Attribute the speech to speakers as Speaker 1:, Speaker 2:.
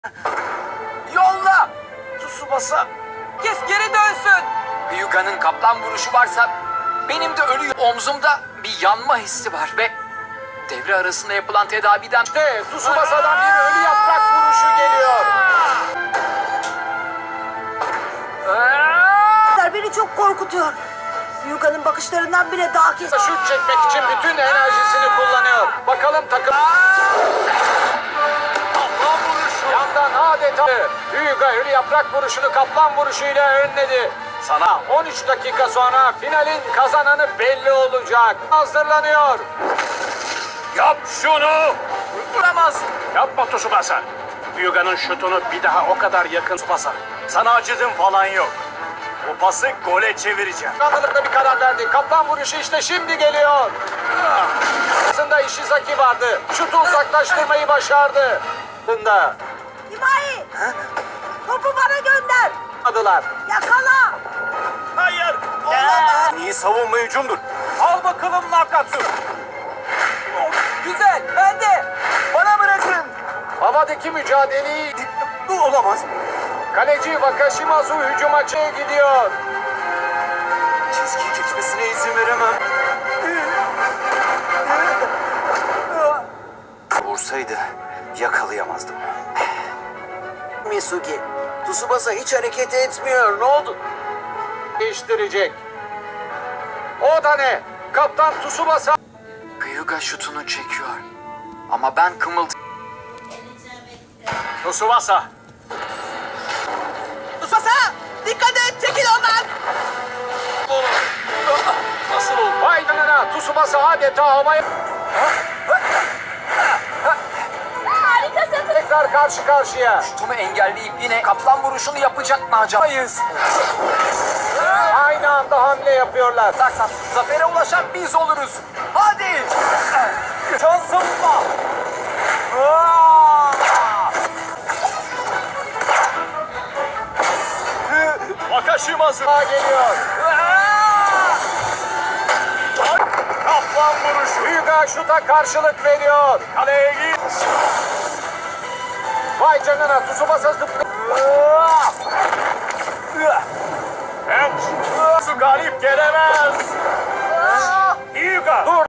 Speaker 1: Yolla! Tsubasa!
Speaker 2: Herkes geri dönsün.
Speaker 1: Hyuga'nın kaplan vuruşu varsa benim de ölü omzumda bir yanma hissi var ve devre arasında yapılan tedaviden de Tsubasa'dan bir ölü yaprak vuruşu geliyor.
Speaker 3: Beni çok korkutuyor. Hyuga'nın bakışlarından bile daha kesin.
Speaker 1: Şut çekmek için bütün enerjisini kullanıyor. Bakalım takım... Kaplan vuruşu. Yandan adeta Hyuga ölü yaprak vuruşunu kaplan vuruşuyla önledi. Sana 13 dakika sonra finalin kazananı belli olacak. Hazırlanıyor.
Speaker 4: Yap şunu!
Speaker 1: Vuramaz.
Speaker 4: Yapma Tsubasa. Hyuga'nın şutunu bir daha o kadar yakın Tsubasa. Sana acıdım falan yok. Bu pası gole çevireceğim.
Speaker 1: Kanlılıkta bir karar verdi. Kaplan vuruşu işte şimdi geliyor. Aslında Ishizaki vardı. Şutu uzaklaştırmayı başardı. Bunda
Speaker 3: Himai! Topu bana gönder.
Speaker 1: adılar.
Speaker 3: Yakala.
Speaker 4: Hayır!
Speaker 3: Olamaz.
Speaker 4: İyi savunma hücumdur. Al bakalım Nakatsu.
Speaker 1: Güzel. Ben de. Bana bırakın. Havadaki mücadeleyi...
Speaker 4: Bu olamaz.
Speaker 1: Kaleci Wakashimazu hücuma gidiyor.
Speaker 4: Çizgiyi geçmesine izin veremem. Vursaydı yakalayamazdım.
Speaker 1: Misugi, Tsubasa hiç hareket etmiyor. Ne oldu? Değiştirecek. O da ne? Kaptan Tsubasa. Hyuga şutunu çekiyor. Ama ben
Speaker 4: Tsubasa.
Speaker 3: Tsubasa! Dikkat et! Çekil ondan!
Speaker 1: Nasıl oldu? Vay canına, Tsubasa adeta havaya...
Speaker 3: Harikasın!
Speaker 1: Tekrar karşı karşıya. Şutumu engelleyip yine kaplan vuruşunu yapacak mı acaba? Aynı anda hamle yapıyorlar. Taksan, zafere ulaşan biz oluruz. Hadi! Şansımla!
Speaker 4: Wakashimazu.
Speaker 1: Geliyor.
Speaker 4: Kaplan vuruşu.
Speaker 1: Hyuga şuta karşılık veriyor.
Speaker 4: Kaleye git.
Speaker 1: Vay canına, Tsubasa zıplıyor.
Speaker 4: Su galip gelemez. Hyuga.
Speaker 1: Dur.